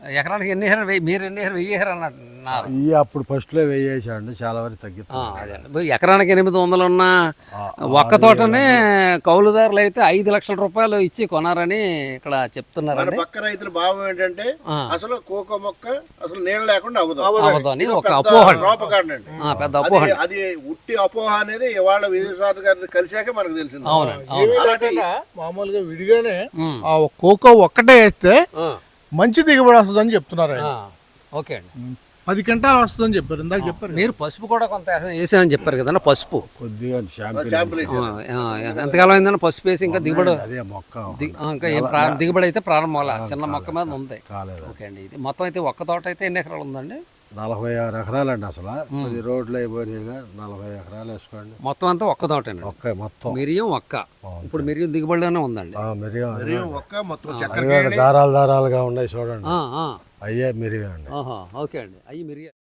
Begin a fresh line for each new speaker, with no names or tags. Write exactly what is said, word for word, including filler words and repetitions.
ఎకరానికి ఎన్ని ఎకరాలు వెయ్యి మీరు ఎన్ని ఎకరాలు వెయ్యి ఎకరాలు అన్నారు
ఇవి అప్పుడు ఫస్ట్లో వెయ్యేసాండి చాలా వరకు తగ్గిస్తుంది.
ఎకరానికి ఎనిమిది వందలు ఉన్న ఒక్క తోటనే కౌలుదారులు అయితే ఐదు లక్షల రూపాయలు ఇచ్చి కొనారని ఇక్కడ చెప్తున్నారండి.
పక్క రైతుల భావం ఏంటంటే అసలు కోకో మొక్క అసలు నీళ్ళు లేకుండా అవ్వదు
అవ్వదు అని ఒక అపోహ,
పెద్ద అపోహ. అది ఉట్టి అపోహ అనేది ఇవాళ విజయసాద్ గారిని కలిసాక మనకు తెలిసింది.
మామూలుగా విడిగానే ఆ కోకో ఒక్కటే వేస్తే మంచి దిగుబడి వస్తుందని చెప్తున్నారు.
ఓకే అండి,
పది క్వింటాలు వస్తుందని చెప్పారు ఇందాక చెప్పారు.
మీరు పసుపు కూడా కొంత వేసామని చెప్పారు కదన్నా. పసుపు
కొద్దిగా
ఎంతకాలం అయిందన్న పసుపు వేసి ఇంకా దిగుబడి
అదే మొక్క
ఇంకా ఏం ప్రా- దిగుబడి అయితే ప్రారంభం చిన్న మొక్క మీద ఉంది.
కాలేదు.
ఓకే అండి, ఇది మొత్తం అయితే ఒక్క తోట అయితే ఎన్ని ఎకరాలు ఉందండి?
నలభై ఆరు ఎకరాలండి. అసలు పది రోడ్లు అయిపోయినాయిగా నలభై ఎకరాలు వేసుకోండి.
మొత్తం అంతా ఒక్క తోటండి.
ఒక్క మొత్తం
మిరియం ఒక్క. ఇప్పుడు మిరియం దిగుబడిలోనే ఉందండి.
మిరియం
ఒక్క మొత్తం
దారాలు దారాలుగా ఉన్నాయి చూడండి,
ఆ, ఆ.
అయ్యే మిరియం అండి.
ఆహా, ఓకే అండి, అవి మిరియం.